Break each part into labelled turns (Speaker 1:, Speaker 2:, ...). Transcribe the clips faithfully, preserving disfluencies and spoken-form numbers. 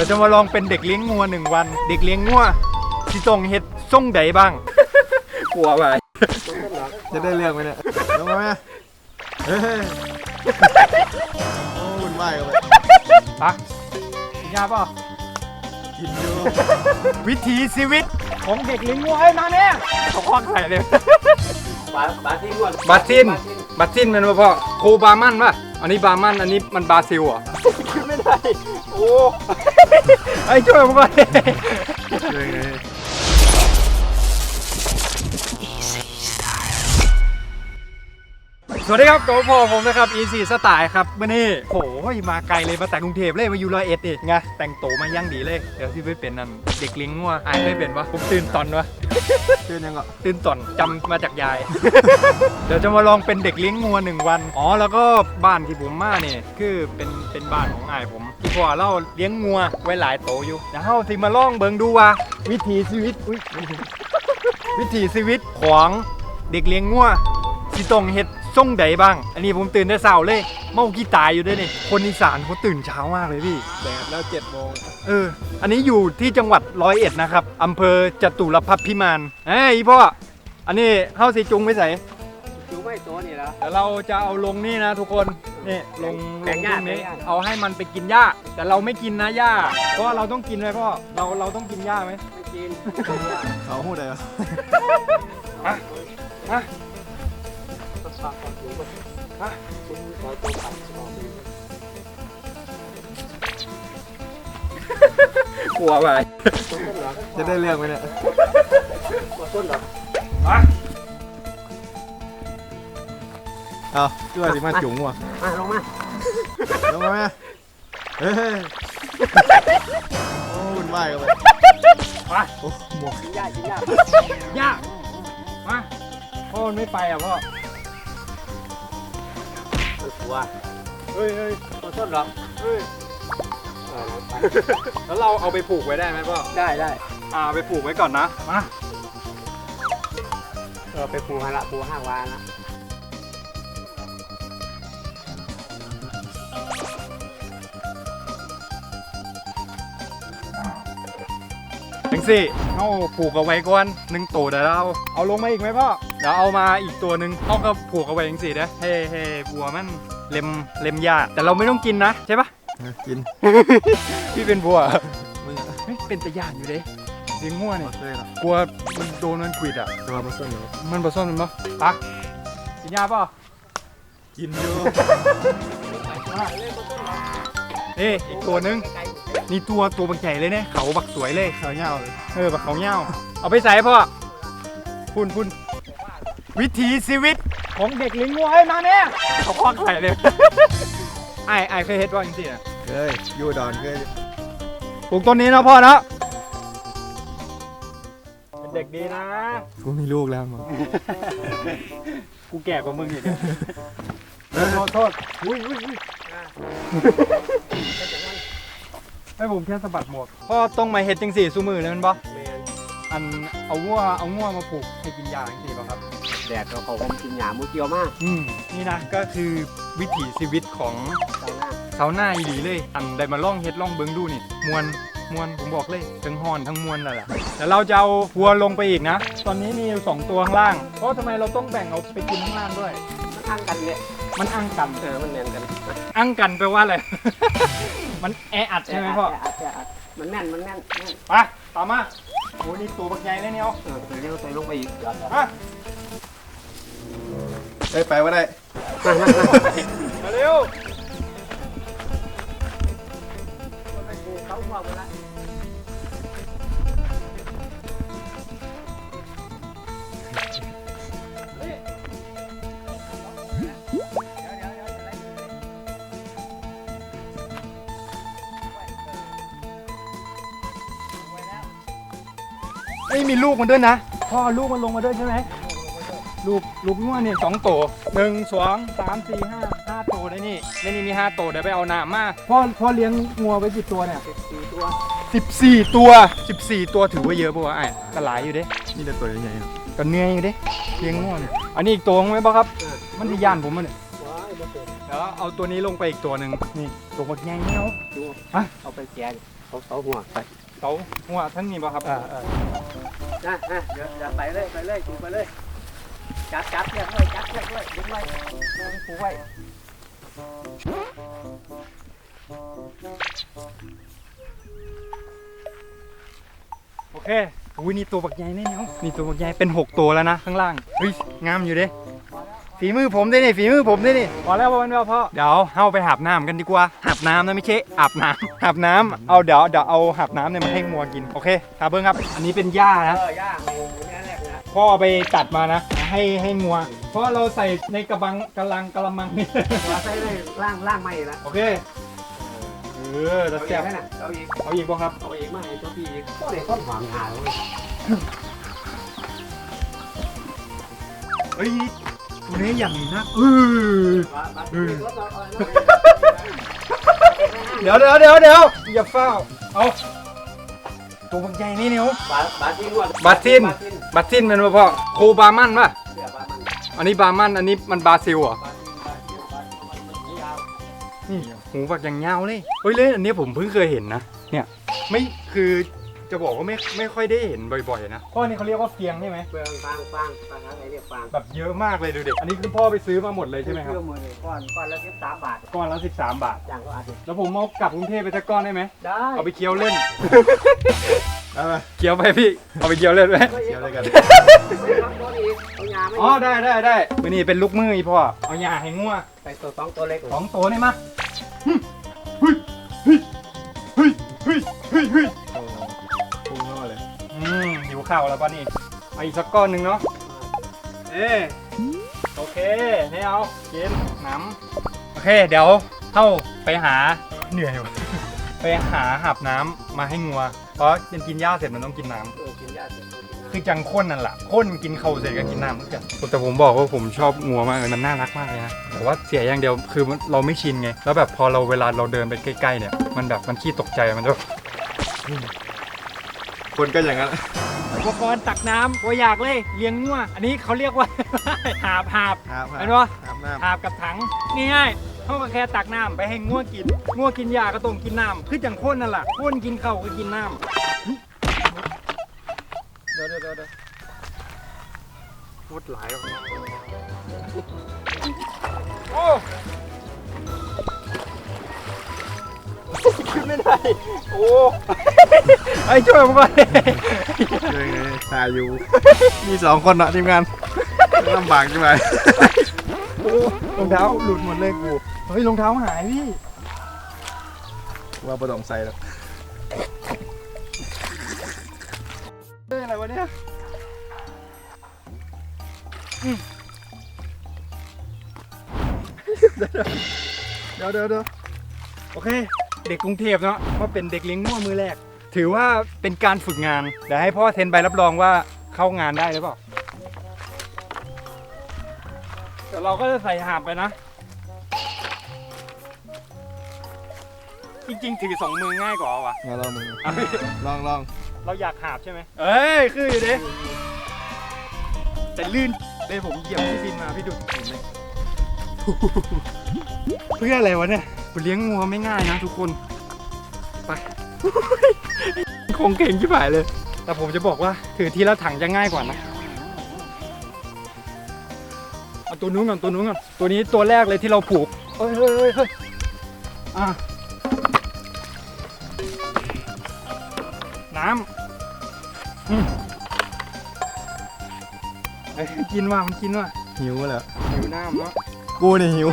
Speaker 1: ดี๋ยวจะมาลองเป็นเด็กเลี้ยงงัวหนึ่งวันเด็กเลี้ยงงัวสิส่งเห็ดส่งใดบ้างกลัวไปจะได้เรื่องไหมเนี่ยลงมาไหมเฮ้ยโอ้วุ่นวายกันไปปะกินยาป่ะกินอยู่วิถีชีวิตของเด็กเลี้ยงงัวไอ้มาเนี่ยเขาควักใส่เลย
Speaker 2: บาบาซิน
Speaker 1: บาซินบาซินเป็นว่าพ่อโคบามันป่ะอันนี้บามันอันนี้มันบราซิลอ่ะไม่ได้โอ้ไอ้ช่วยผมก่อนสวัสดีครับตัวพ่อผมนะครับ Easy Style ครับเมื่อนี้โอ้ยมาไกลเลยมาแต่กรุงเทพเลยมาอยู่ร้อยเอ็ดดิไงแต่งโตมายั่งดีเลยเดี๋ยวที่ไม่เป็นนั่นเด็กเลี้ยงงัวอายไม่เป็นวะผมตื่นตอนวะตื่นยังอ่ะตื่นตอนจำมาจากยาย เดี๋ยวจะมาลองเป็นเด็กเลี้ยงงัวหนึ่งวันอ๋อแล้วก็บ้านที่ผมมาเนี่ยคือเป็นเป็นบ้านของอายผมที่พ่อเราเลี้ยงงัวไว้หลายโตอยู่เดี๋ยวเฮาสิมาลองเบิ่งดูว่าวิถีชีวิตอุ้ยวิถีชีวิตของเด็กเลี้ยงงัวสิต้องเฮ็ดส่งใดบ้างอันนี้ผมตื่นได้เช้าเลยเมาขี้ตายอยู่ด้วยนี่คนอีสานเขาตื่นเช้ามากเลยพี่แดดแล้วเจ็ดโมงเอออันนี้อยู่ที่จังหวัดร้อยเอ็ดนะครับอำเภอจตุรพักษ์พิมานเฮ้ยพ่ออันนี้เข้าสีจุงไม่ใส่
Speaker 2: จุงไม่ตัวนี่แล้ว
Speaker 1: เดี๋ยวเราจะเอาลงนี่นะทุกคนนี่ลงลงตรงนี้เอาให้มันไปกินหญ้าแต่เราไม่กินนะหญ้าเพราะเราต้องกินไหมพ่อเราเราต้องกินหญ้าไหม
Speaker 2: ไม่กิน
Speaker 1: เขาพูดอะไรอ่ะอ่ะกลัวไปจะได้เรื่องไหมเนี่ย
Speaker 2: ต้นเหรอ
Speaker 1: มาเอาเชื่อสิมาจุ๋งว่ะ
Speaker 2: มาลงมา
Speaker 1: ลงมาเฮ้ยโอ้วุ่นวายกันไปมาโอ้หมวก
Speaker 2: ยากยาก
Speaker 1: ยากมาพ่อมันไม่ไปอ่ะพ่อ
Speaker 2: กลัว
Speaker 1: เฮ้ยเฮ้ย
Speaker 2: ตัวต้นเหรอ
Speaker 1: เฮ้ยแล้วเราเอาไปผูกไว้ได้ไหมพ่อ
Speaker 2: ได้ได้
Speaker 1: อ่าไปผูกไว้ก่อนนะมา
Speaker 2: เออไปผูกฮาระผูกห้าวานะ
Speaker 1: ถึงสิเอาผูกเอาไว้ก่อนหนึ่งตัวเดี๋ยวเราเอาลงมาอีกไหมพ่อเดี๋ยวเอามาอีกตัวหนึ่งเอาก็ผูกเอาไว้ถึงสินะเฮ้เฮ้บัวมันเล็มเล็มหญ้าแต่เราไม่ต้องกินนะใช่ปะกินพี่เป็นบัวเป็นตะย่านอยู่เด้เลี้ยงงัวเนี่ยกลัวมันโดนมันขวิดอ่ะตัวมันส้นเหรอมันผสมมันปะปะกินยาป่ะกินอยู่เฮ้อีกตัวนึงนี่ตัวตัวบักใหญ่เลยเนี่ยเขาบักสวยเลยเขาเงาเออบักเขาเงาเอาไปใส่พ่อพุ่นพุ่นวิถีชีวิตของเด็กเลี้ยงงัวไอ้มาเนี่ยเขาควักใส่เลยไอ้ไอ้เคยเห็นว่าจริงๆอ่ะเคยยูดอนเคยปลูกต้นนี้นะพ่อนะเป็นเด็กดีนะกูมีลูกแล้วมั้งกูแก่กว่ามึงอีกโทษโทษอุ้ยอุ้ยอุ้ยให้ผมแค่สะบัดหมดพ่อต้องมาเห็ดจังสี่ซูมือเลยมันบ่อันเอางัวเอางัวมาผูกให้กินยาจังสี่ป่ะครับ
Speaker 2: แดดเราเขากินหญ้ามุ้งเกี่ยวมาก
Speaker 1: อืมนี่นะก็คือวิถีชีวิตของชาวนาอีหลีเลยอันได้มาล่องเฮ็ดล่องเบิ้งดูนี่มวนมวนผมบอกเลยทั้งฮอนทั้งมวนนั่นแหละแต่เราจะเอาวัวลงไปอีกนะตอนนี้มีอยู่สองตัวข้างล่างเพราะทำไมเราต้องแบ่งเอาไปกินข้างล่างด้วย
Speaker 2: มันอั้งกันเนี่ย
Speaker 1: มันอั้งกัน
Speaker 2: เออมันแน่นกัน
Speaker 1: อั้งกันแปลว่าอะไร มันแออัดใช่ไหมพ่อ
Speaker 2: มันแน่นมันแน่น
Speaker 1: ไปต่อมาโอ้นี่ตัวบักใหญ่เลยเนี่ยเอา
Speaker 2: เออใส่เร็วใส่ลงไปอีก
Speaker 1: มาเฮ้ยไปว่าได้มาเร็ว
Speaker 2: เขาหัวหมดละ
Speaker 1: ไม่มีลูกมันด้วยนะพ่อลูกมันลงมาด้วยใช่ไหมลูกลูกงัวเนี่ยสองตัวหนึ่งสองสามสี่ห้าห้าตัวได้นี่ในนี้มีห้าตัวเดี๋ยวไปเอาหนามมาพ่อพ่อเลี้ยงงัวไว้กี่ตัวเนี่ย
Speaker 2: สิบสี่ตัว
Speaker 1: สิบสี่ตัวสิบสี่ตัวถือว่าเยอะป่ะไอ้ก็หลายอยู่เด้นี่แต่ตัวใหญ่ๆก็เหนื่อยอยู่เด้เลี้ยงงัวเนี่ยอันนี้อีกตัวไหมบ่ครับมันที่ย่านผมมันเนี่ยเดี๋ยวเอาตัวนี้ลงไปอีกตัวหนึ่งนี่ตัวบักใหญ่เงี้ยว
Speaker 2: ดูฮะเอาไปแกงเขาเขาหัวไป
Speaker 1: เสาหัวทั้งนี้ป่ะครับ
Speaker 2: อ่าอ่านะนะเดี๋ยวเดี๋ยวไปเลยไปเลยจูไปเลยจับจับเรียกเลยจับเรียกเลยดึงไว้ดึงผูไว้
Speaker 1: โอเคอุ้ยนี่ตัวบักใหญ่แน่เนาะนี่ตัวบักใหญ่เป็นหกตัวแล้วนะข้างล่างเฮ้ยงามอยู่เด้ฝีมือผมได้นี่ฝีมือผมได้นี่พอแล้วพอแล้วพ่อเดี๋ยวเข้าไปหาบน้ำกันดีกว่าหาบน้ำนะไม่ใช่อาบน้ำหาบน้ำเอาเดี๋ยวเดี๋ยวเอาหาบน้ำเนี่ยมาให้งัวกินโอเคตาเบิ้งครับอันนี้เป็นหญ้านะ
Speaker 2: เออย่างนี่แรกนะ
Speaker 1: พ่อไปตัดมานะให้ให้งัวเพราะเราใส่ในกระบังกระลังกระมังนี่
Speaker 2: เราใส่เลยล่างล่างไม่ละ
Speaker 1: โอเคเออจะ
Speaker 2: เอา
Speaker 1: แซ่
Speaker 2: อี
Speaker 1: บ
Speaker 2: กนะเอาอีก
Speaker 1: เอาอีกบ่ครับ
Speaker 2: เอาอีกมาให้ตัวพี่อีกก็เลยต้นหอมงาเลย
Speaker 1: เฮ้ยตัวนี้อย่างนี้นะเออ เดี๋ยวเดี๋ยวเดี๋ยวเดี๋ยวอย่าเฝ้าเอาตัวบักใหญ่นี่นิ้ว
Speaker 2: บาบาทิน
Speaker 1: บาทินบาทินมันป่ะพ่อโคบามันป่ะ
Speaker 2: เสือบามัน
Speaker 1: อันนี้บามันอันนี้มันบราซิลเหรอบ
Speaker 2: าทินบาทินบาทินมันยาว
Speaker 1: นี่หูบักอย่างเงาเลยเฮ้ยเล่นอันนี้ผมเพิ่งเคยเห็นนะเนี่ยไม่คือจะบอกว่าไม่ไม่ค่อยได้เห็นบ่อยๆนะพ่อนี่เขาเรียกว่าเฟียงใช่ไหม
Speaker 2: เปลืองฟางฟางฟางอะไรเรียกฟาง
Speaker 1: แบบเยอะมากเลยดูเด็กอันนี้คือพ่อไปซื้อมาหมดเลยใช่ไหมครับ
Speaker 2: เพื่อมือก้อนก้อนละสิบสามบาท
Speaker 1: ก้อนละสิบสามบาท
Speaker 2: อย่างก็อาจจะ
Speaker 1: แล้วผมเอากลับกรุงเทพไปสักก้อนได้ไหม
Speaker 2: ได้
Speaker 1: เอาไปเคี้ยวเล่น
Speaker 3: เอาไป
Speaker 1: เคี้ยวไปพี่เอาไปเคี้ยวเล่นไหม
Speaker 3: เที่ยวด้วยกัน
Speaker 1: อ๋อได้ได้ได้มือนี่เป็นลูกมืออีพ่อเอาหญ้าให้งัว
Speaker 2: ไปตัวสองตัวเล็ก
Speaker 1: สองตัวนี่มาเฮ้ยเฮ้ยเฮ้ยเฮ้ยเฮ้ยเฮ้ย
Speaker 3: โอ้พุ่งเข้ามาเลย
Speaker 1: อืมหิวข้าวแล้วป่ะนี่เอาอีกสักก้อนหนึ่งเนาะเออโอเคนี่เอากินน้ำโอเคเดี๋ยวเข้าไปหาเหนื่อยว่ะไปหาหับน้ำมาให้งัวเพราะมันกินหญ้าเสร็จมันต้องกินน้ำ
Speaker 2: เออกินยาเสร็จกินน้ำ
Speaker 1: คือจังข้นนั่นแหละข้นกินเข่าเสร็จก็กินน้ำทุกอย่างแต่ผมบอกว่าผมชอบงัวมากเลยมันน่ารักมากเลยนะแต่ว่าเสียอย่างเดียวคือเราไม่ชินไงแล้วแบบพอเราเวลาเราเดินไปใกล้ๆเนี่ยมันแบบมันขี้ตกใจมันจะ
Speaker 3: คนก็อย่างนั้น
Speaker 1: อุปกรณ์ตักน้ำตัวอยากเลยเลี้ยงงัวอันนี้เขาเรียกว่า หาบหาบ
Speaker 3: ครับ
Speaker 1: เห็นปะ
Speaker 3: อาบน้
Speaker 1: หาบกับถังง่ายๆเขาก็แค่ตักน้ำไปให้งัวกินงัวกินหญ้าก็ต้องกินน้ำคือจังข้นนั่นแหละข้นกินข้าวก็กินน้ำเดี๋ยวเดี๋ยวเดี๋ยวพูดหลายว่ะโอ้ขึ้นไม่ได้โอ้ไอ้ช่วยผมก่อน
Speaker 3: ำเลยไงถ่ายอยู่ มีสองคนเนาะทีมงานลำบากใช่ไหม
Speaker 1: โอ้รองเท้าหลุดหมดเลยกูเฮ้ยรองเท้าหายพี่
Speaker 3: ว่าประดองใส่แล้ว
Speaker 1: เฮ้ยอะไรวะเนี่ยอืมเดี๋ยวเดี๋ยวเดี๋ยวโอเค เด็กกรุงเทพเนาะว่าเป็นเด็กเลี้ยงงัวมือแรก ถือว่าเป็นการฝึกงานเดี๋ยวให้พ่อเซ็นใบรับรองว่าเข้างานได้หรือเปล่าเดี๋ยวเราก็จะใส่หาบไปนะ จริงๆถือสองมือง่ายกว่าวะ
Speaker 3: มาลองมือ
Speaker 1: เอาพี่
Speaker 3: ลองลอง
Speaker 1: เราอยากหาบใช่ไหมเอ้ยคืออยู่ดิแต่ลื่นเลยผมเหยียบพี่บินมาพี่ดูเห็นไหม เพื่ออะไรวะเนี่ยเลี้ยงงัวไม่ง่ายนะทุกคนไป คงเก่งที่ผายเลย แต่ผมจะบอกว่าถือทีละถังจะง่ายกว่านะเอาตัวนู้นก่อนตัวนู้นก่อนตัวนี้ตัวแรกเลยที่เราผูกเฮ้ยเฮ้ยเฮ้ยเฮ้ยอ่ะน้ำอืมเฮ้ยกินว่ะมันกินว่ะ
Speaker 3: หิวแล้ว
Speaker 1: หิวน้ำเนาะ
Speaker 3: กูนี่หิว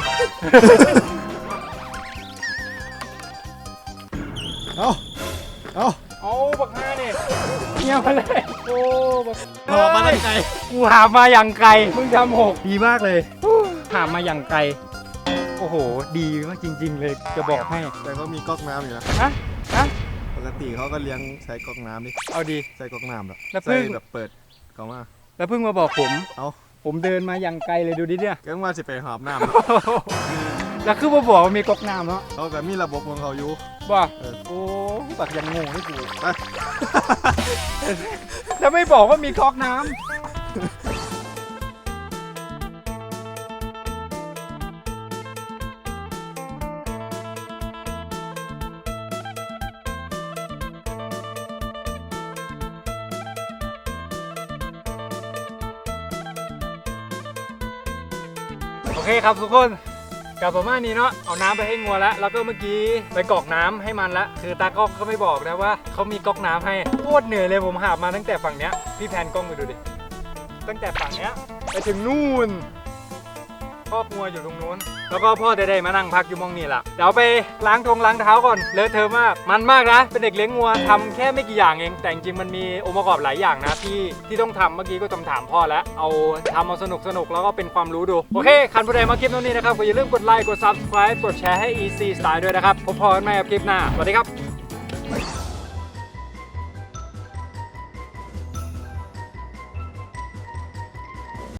Speaker 3: เอาเอา
Speaker 1: เอาบักฮาเนี่ยเงียบไปเลยโอ้บัก
Speaker 3: หอบมาได้ไง
Speaker 1: กูหามาอย่างไกลมึงทำหกดีมากเลยหามาอย่างไกลโอ้โหดีมากจริง ๆ เลยจะบอกให้
Speaker 3: แต่เขามีก๊อกน้ำอยู่นะ
Speaker 1: ฮะฮะ
Speaker 3: ปกติเขาก็เลี้ยงใช้ก๊อกน้ำนี่
Speaker 1: เอาดี
Speaker 3: ใช้ก๊อกน้ำแบบ
Speaker 1: แล้วเพิ่
Speaker 3: ใส่
Speaker 1: ง
Speaker 3: แบบเปิดเขามา
Speaker 1: แล้วเพิ่งมาบอกผม
Speaker 3: เอา
Speaker 1: ผมเดินมาอย่างไกลเลยดูดิเนี่ย
Speaker 3: ก็ว่าจะไปหอบน้
Speaker 1: แล้วคือมาบอกว่ามีก๊อกน้ำเนาะ
Speaker 3: ำเขาก็มีระบบของเขาอยู่
Speaker 1: ว่า
Speaker 3: เออ
Speaker 1: โอ้บักยังงงให้กู
Speaker 3: ไป
Speaker 1: แล้วไม่บอกว่ามีก๊อกน้ำโอเคครับทุกคนกลับประมาณนี้เนาะเอาน้ำไปให้งัวแล้วแล้วก็เมื่อกี้ไปกรอกน้ำให้มันละคือตากล้องก็ไม่บอกนะว่าเขามีก๊อกน้ำให้โคตรเหนื่อยเลยผมหามาตั้งแต่ฝั่งเนี้ยพี่แพนกล้องไปดูดิตั้งแต่ฝั่งเนี้ยไปถึงนู่นคอกงัวอยู่ตรงนู้นแล้วก็พ่อได้ๆมานั่งพักอยู่มองนี่แหละเดี๋ยวไปล้างทงล้างเท้าก่อนเลอะเทอะมากมันมากนะเป็นเด็กเลี้ยงงัวทำแค่ไม่กี่อย่างเองแต่จริงๆมันมีองค์ประกอบหลายอย่างนะที่ที่ต้องทำเมื่อกี้ก็ต้องถามพ่อแล้วเอาทำเอาสนุกสนุกแล้วก็เป็นความรู้ดูโอเคคันผู้ใดมาคลิปนี้นะครับก็อย่าลืมกดไลค์กด ซับสไครบ์ กดแชร์ให้ อี ซี Style ด้วยนะครับพบกันใหม่กับคลิปหน้าสวัสดีครับ